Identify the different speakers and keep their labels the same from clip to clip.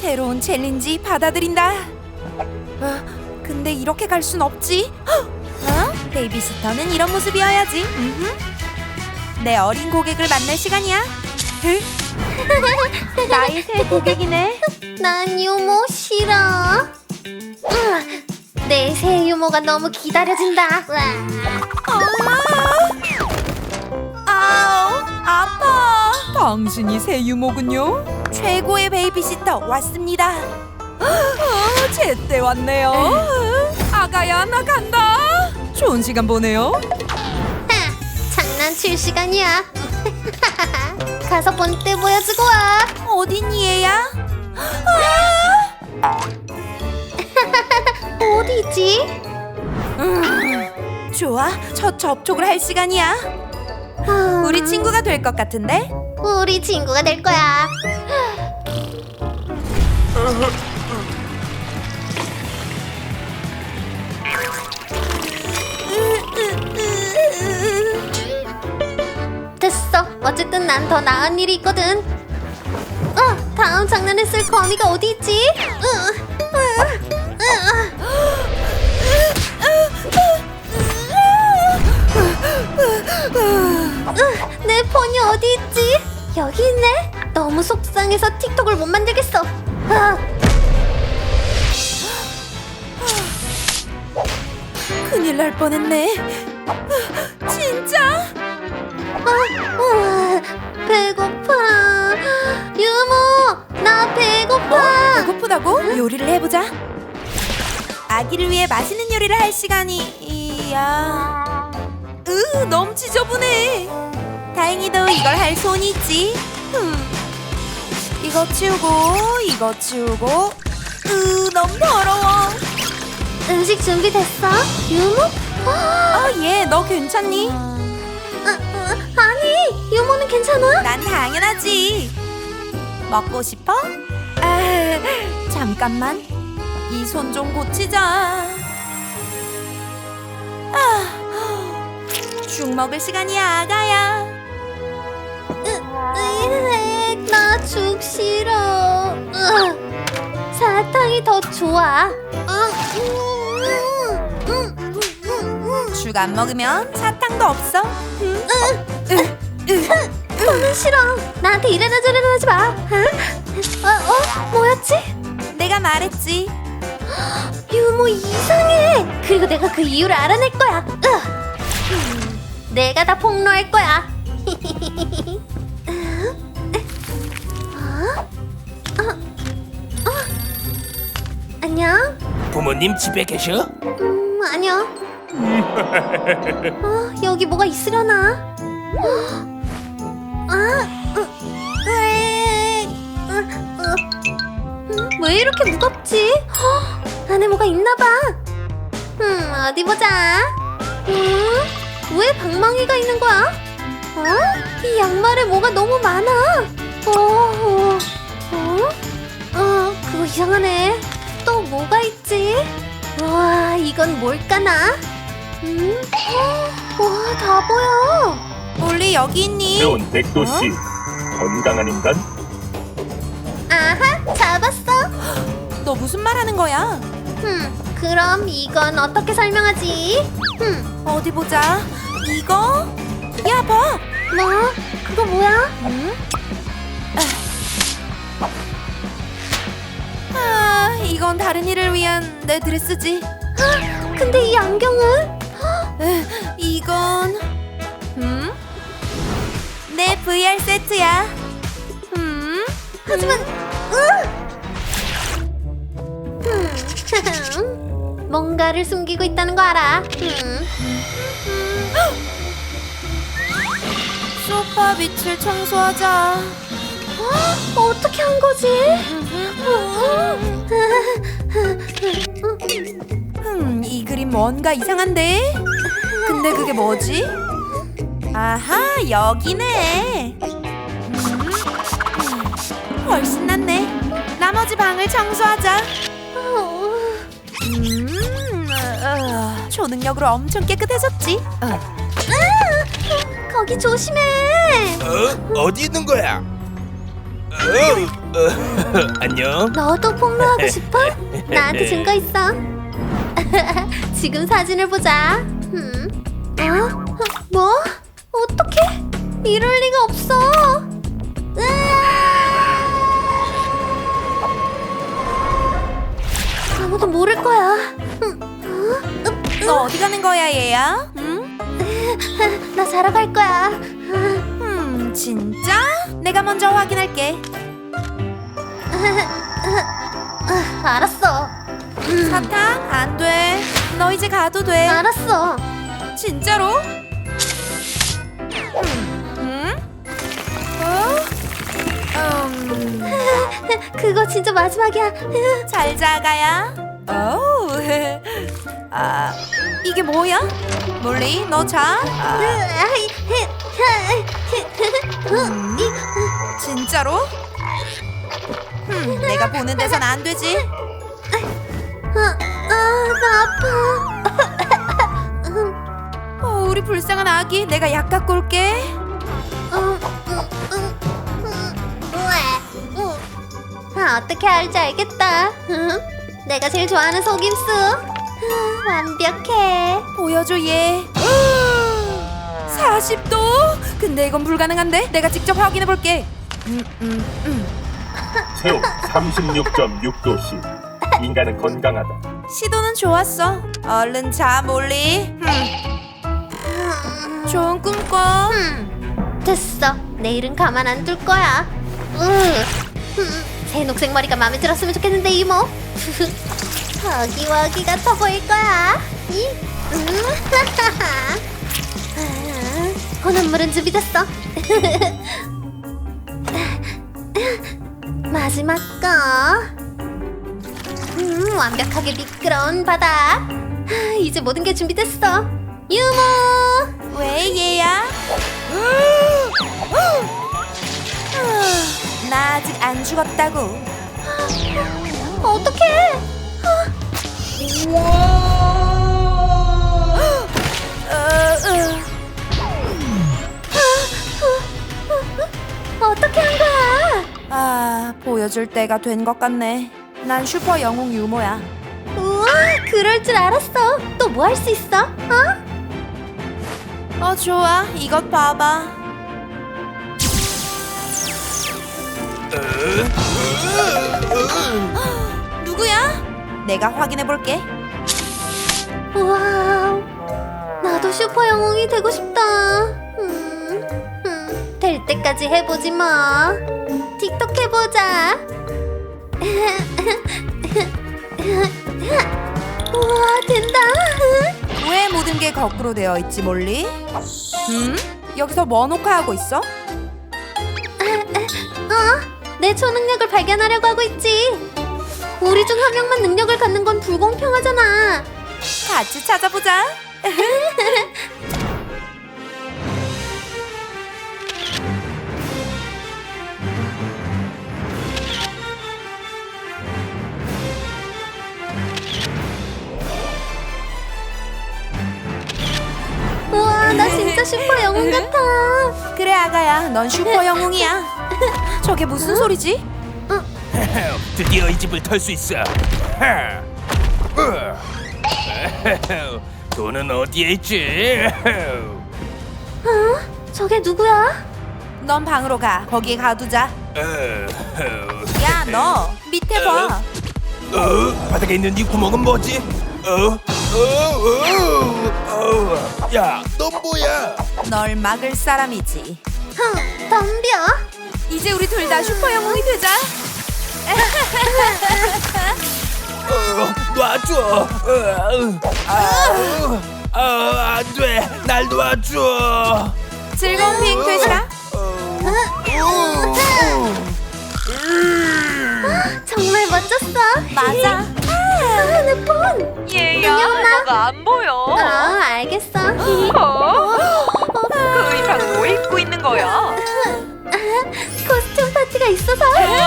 Speaker 1: 새로운 챌린지 받아들인다. 근데 이렇게 갈 순 없지. 베이비시터는 이런 모습이어야지. 내 어린 고객을 만날 시간이야. 나의 새 고객이네.
Speaker 2: 난 유모 싫어. 내 새 유모가 너무 기다려진다.
Speaker 1: 아우, 아파. 당신이 새 유모군요. 최고의 베이비시터 왔습니다. 제때 왔네요. 아가야, 나 간다. 좋은 시간 보내요.
Speaker 2: 장난칠 시간이야. 가서 본때 보여주고 와.
Speaker 1: 어딨니, 얘야?
Speaker 2: 어디지?
Speaker 1: 좋아, 첫 접촉을 할 시간이야. 우리 친구가 될 것 같은데?
Speaker 2: 우리 친구가 될 거야. 됐어. 어쨌든 난 더 나은 일이 있거든. 다음 장난을 쓸 거미가 어디 있지? 내 폰이 어디 있지? 여기 있네. 너무 속상해서 틱톡을 못 만들겠어.
Speaker 1: 큰일 날 뻔했네. 진짜?
Speaker 2: 배고파. 유모, 나 배고파.
Speaker 1: 배고프다고? 요리를 해보자. 아기를 위해 맛있는 요리를 할 시간이야. 너무 지저분해. 다행히도 이걸 할 손이 있지. 이거 치우고 이거 치우고. 너무 더러워.
Speaker 2: 음식 준비됐어? 유모?
Speaker 1: 얘 너 괜찮니?
Speaker 2: 아니, 유모는 괜찮아?
Speaker 1: 난 당연하지. 먹고 싶어? 잠깐만. 이 손 좀 고치자. 죽 먹을 시간이야, 아가야.
Speaker 2: 나 죽 싫어. 사탕이 더 좋아.
Speaker 1: 죽 안 먹으면 사탕도 없어.
Speaker 2: 너는 싫어. 나한테 이래라 저래라 하지 마. 뭐였지?
Speaker 1: 내가 말했지.
Speaker 2: 유모 이상해. 그리고 내가 그 이유를 알아낼 거야. 내가 다 폭로할 거야. 안녕?
Speaker 3: 부모님 집에 계셔?
Speaker 2: 아니요. 여기 뭐가 있으려나? 왜 이렇게 무겁지? 안에 뭐가 있나봐. 어디 보자. 왜 방망이가 있는 거야? 이 양말에 뭐가 너무 많아. 그거 이상하네. 또 뭐가 있지? 와, 이건 뭘까나? 와, 다 보여.
Speaker 1: 올리 여기 있니?
Speaker 4: 새로운 백도씨 건강한 인간
Speaker 2: 아하, 잡았어.
Speaker 1: 너 무슨 말 하는 거야?
Speaker 2: 그럼 이건 어떻게 설명하지?
Speaker 1: 어디 보자. 이거? 야, 봐.
Speaker 2: 뭐? 그거 뭐야?
Speaker 1: 이건 다른 일을 위한 내 드레스지.
Speaker 2: 근데 이 안경은?
Speaker 1: 이건 내 VR 세트야.
Speaker 2: 하지만 뭔가를 숨기고 있다는 거 알아.
Speaker 1: 소파 밑을 청소하자.
Speaker 2: 어떻게 한 거지?
Speaker 1: 이 그림 뭔가 이상한데? 근데 그게 뭐지? 아하, 여기네. 훨씬 낫네. 나머지 방을 청소하자. 초능력으로 엄청 깨끗해졌지?
Speaker 2: 거기 조심해.
Speaker 3: 어디 있는 거야? 안녕.
Speaker 2: 너도 폭로하고 싶어? 나한테 증거 있어. 지금 사진을 보자. 뭐? 어떡해? 이럴 리가 없어. 아무도 모를 거야.
Speaker 1: 너 어디 가는 거야, 얘야? 응?
Speaker 2: 나 자러 갈 거야.
Speaker 1: 진짜? 내가 먼저 확인할게.
Speaker 2: 알았어.
Speaker 1: 사탕? 안 돼. 너 이제 가도 돼.
Speaker 2: 알았어.
Speaker 1: 진짜로? 응?
Speaker 2: 그거 진짜 마지막이야.
Speaker 1: 잘 자가야. 오. 아, 이게 뭐야? 몰리, 너 자. 진짜로? 내가 보는 데선 안 되지.
Speaker 2: 나 아파.
Speaker 1: 우리 불쌍한 아기, 내가 약 갖고 올게.
Speaker 2: 어떻게 할지 알겠다. 내가 제일 좋아하는 속임수. 완벽해.
Speaker 1: 보여줘 얘. 40도? 근데 이건 불가능한데? 내가 직접 확인해 볼게.
Speaker 4: 체온 36.6도씨. 인간은 건강하다.
Speaker 1: 시도는 좋았어. 얼른 자, 몰리. 좋은 꿈 꿔.
Speaker 2: 됐어. 내일은 가만 안 둘 거야. 새 녹색 머리가 마음에 들었으면 좋겠는데 이모. 허기와기 같아 보일 거야. 혼합물은 준비됐어. 마지막 거. 완벽하게 미끄러운 바다. 이제 모든 게 준비됐어. 유모.
Speaker 1: 왜 얘야? 나 아직 안 죽었다고.
Speaker 2: 어떡해. 어떻게 한 거야?
Speaker 1: 아, 보여줄 때가 된 것 같네. 난 슈퍼 영웅 유모야.
Speaker 2: 우와, 그럴 줄 알았어. 또 뭐 할 수 있어?
Speaker 1: 좋아. 이것 봐봐. 누구야? 내가 확인해 볼게.
Speaker 2: 우와, 나도 슈퍼 영웅이 되고 싶다. 될 때까지 해보지 뭐. 틱톡 해보자. 우와, 된다.
Speaker 1: 왜 모든 게 거꾸로 되어 있지, 몰리? 여기서 뭐 녹화하고 있어?
Speaker 2: 내 초능력을 발견하려고 하고 있지. 우리 중 한 명만 능력을 갖는 건 불공평하잖아.
Speaker 1: 같이 찾아보자.
Speaker 2: 우와, 나 진짜 슈퍼 영웅 같아.
Speaker 1: 그래, 아가야. 넌 슈퍼 영웅이야. 저게 무슨 소리지?
Speaker 3: 드디어 이 집을 털 수 있어. 돈은 어디에 있지?
Speaker 2: 저게 누구야?
Speaker 1: 넌 방으로 가. 거기에 가두자. 야, 너 밑에 봐.
Speaker 3: 바닥에 있는 이 구멍은 뭐지? 야, 넌 뭐야?
Speaker 1: 널 막을 사람이지.
Speaker 2: 덤벼.
Speaker 1: 이제 우리 둘 다 슈퍼 영웅이 되자.
Speaker 3: 놔줘. 안 돼. 날 놔줘.
Speaker 1: 즐거운 비행 되시라.
Speaker 2: 정말 멋졌어.
Speaker 1: 맞아.
Speaker 2: 내 폰.
Speaker 5: 얘야, 너가 안 보여.
Speaker 2: 알겠어.
Speaker 5: 그 의상은 왜 입고 있는 거야?
Speaker 2: 코스튬 파티가 있어서.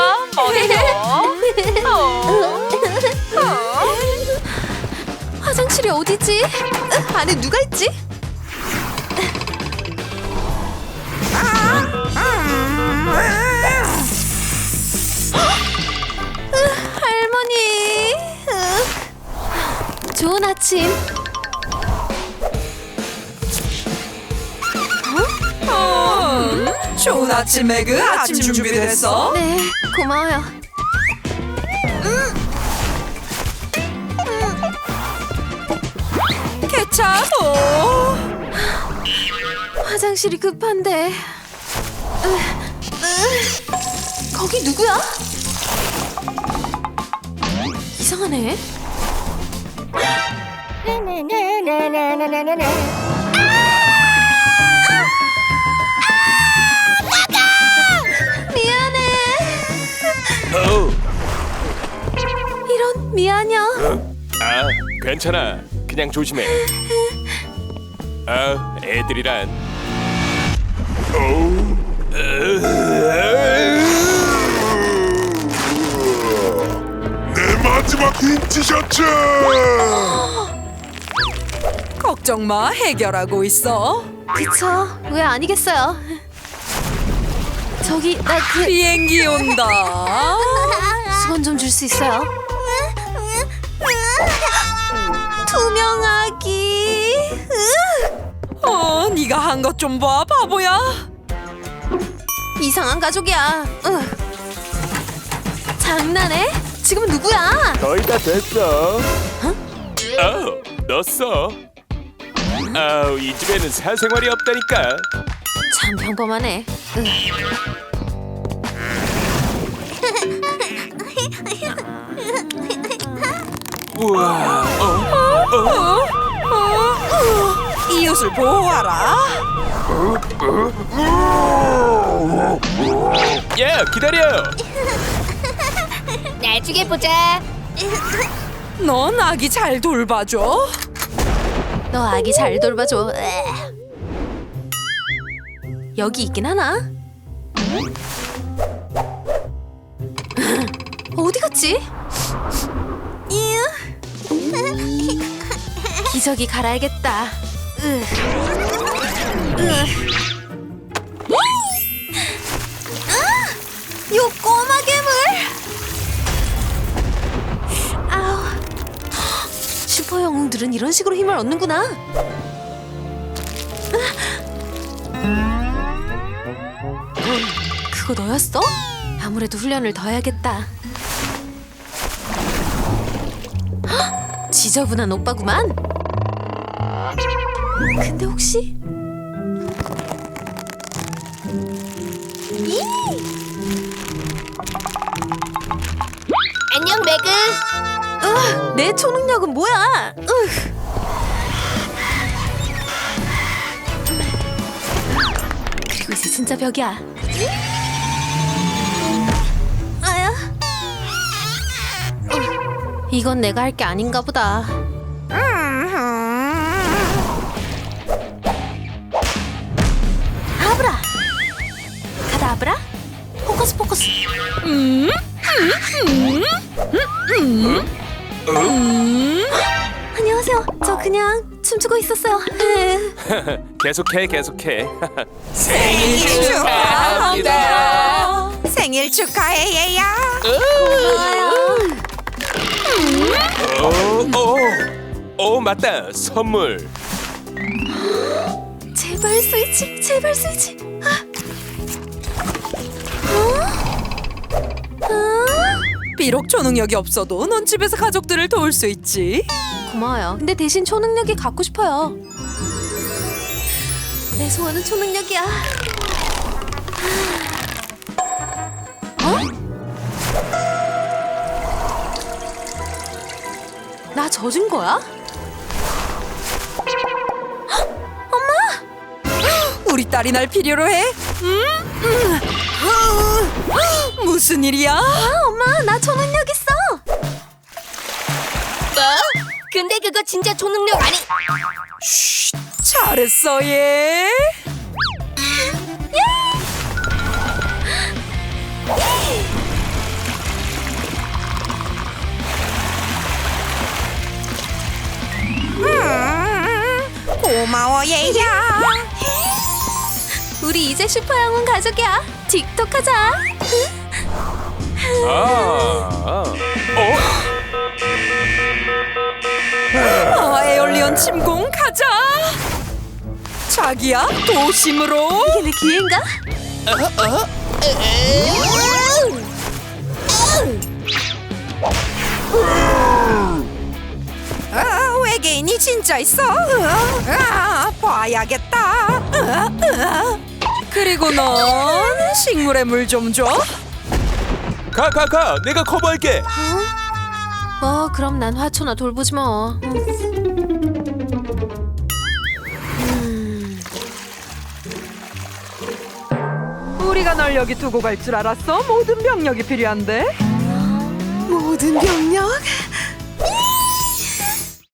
Speaker 1: 화장실이 어디지? 안에 누가 있지?
Speaker 2: 할머니. 좋은 아침.
Speaker 1: 좋은 아침 매그. 아침 준비됐어?
Speaker 2: 네, 고마워요.
Speaker 1: 괜찮어.
Speaker 2: 화장실이 급한데. 거기 누구야? 이상하네. 미안해.
Speaker 3: 어.
Speaker 2: 이런 미안해요.
Speaker 3: 아, 괜찮아. 그냥 조심해. 아, 애들이란.
Speaker 6: 내 마지막 흰 티셔츠!
Speaker 1: 걱정 마. 해결하고 있어.
Speaker 2: 그쵸? 왜 아니겠어요? 저기 나 그
Speaker 1: 비행기 온다.
Speaker 2: 수건 좀 줄 수 있어요? 투명하기.
Speaker 1: 네가 한 것 좀 봐, 바보야.
Speaker 2: 이상한 가족이야. 장난해? 지금 누구야?
Speaker 3: 거의 다 됐어. 넣었어. 아우, 이 집에는 사생활이 없다니까.
Speaker 2: 참 평범하네.
Speaker 3: 우와.
Speaker 1: 이웃을 보호하라.
Speaker 3: 야, 기다려.
Speaker 2: 나중에 보자.
Speaker 1: 넌 아기 잘 돌봐줘.
Speaker 2: 너 아기 잘 돌봐줘. 여기 있긴 하나? 어디 갔지? 기저귀 갈아야겠다. 요 꼬마 괴물! 아우. 슈퍼 영웅들은 이런 식으로 힘을 얻는구나. 그거 너였어? 아무래도 훈련을 더 해야겠다. 헉! 지저분한 오빠구만. 근데 혹시 안녕 매그. 내 초능력은 뭐야? 그리고 이제 진짜 벽이야. 아야. 이건 내가 할 게 아닌가 보다. 아브라. 가다브라. 포커스 포커스. 안녕하세요. 저 그냥 춤추고 있었어요.
Speaker 3: 계속해.
Speaker 1: 생일 축하합니다. 생일 축하해, 얘야.
Speaker 3: 맞다. 선물.
Speaker 2: 제발 스위치, 제발 스위치.
Speaker 1: 비록 초능력이 없어도 넌 집에서 가족들을 도울 수 있지.
Speaker 2: 고마워요. 근데 대신 초능력이 갖고 싶어요. 내 소원은 초능력이야. 나 젖은 거야?
Speaker 1: 우리 딸이 날 필요로 해? 무슨 일이야?
Speaker 2: 엄마, 나 초능력 있어. 근데 그거 진짜 초능력 아니?
Speaker 1: 잘했어, 얘. 고마워, 얘야.
Speaker 2: 우리 이제 슈퍼 영웅 가족이야. 틱톡 하자.
Speaker 3: 어?
Speaker 1: 침공 가자. 자기야, 도심으로.
Speaker 2: 이게 내 기회인가?
Speaker 1: 외계인이 진짜 있어. 봐야겠다. 그리고 넌 식물에 물 좀 줘.
Speaker 3: 가. 내가 커버할게.
Speaker 2: 그럼 난 화초나 돌보지 뭐.
Speaker 5: 우리가 널 여기 두고 갈 줄 알았어? 모든 병력이 필요한데.
Speaker 1: 모든 병력